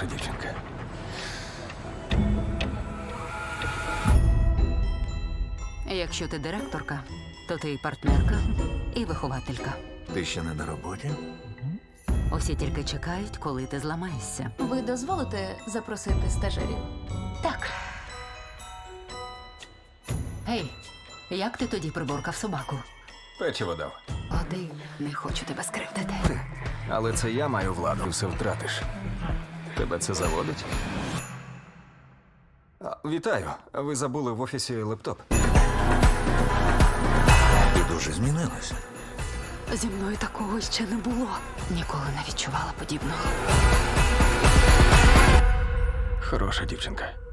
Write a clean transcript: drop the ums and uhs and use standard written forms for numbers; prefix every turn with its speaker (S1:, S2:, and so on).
S1: хороша дівчинка.
S2: Якщо ти директорка, то ти і партнерка, і вихователька.
S1: Ти ще не на роботі?
S2: Усі тільки чекають, коли ти зламаєшся.
S3: Ви дозволите запросити стажерів?
S2: Так. Гей, як ти тоді приборкав собаку?
S1: Печиво дав.
S2: Один, не хочу тебе скривдити.
S1: Але це я маю владу, все втратиш. Тебе це заводить? Вітаю. Ви забули в офісі лептоп. Ти дуже змінилася.
S2: Зі мною такого ще не було. Ніколи не відчувала подібного.
S1: Хороша дівчинка.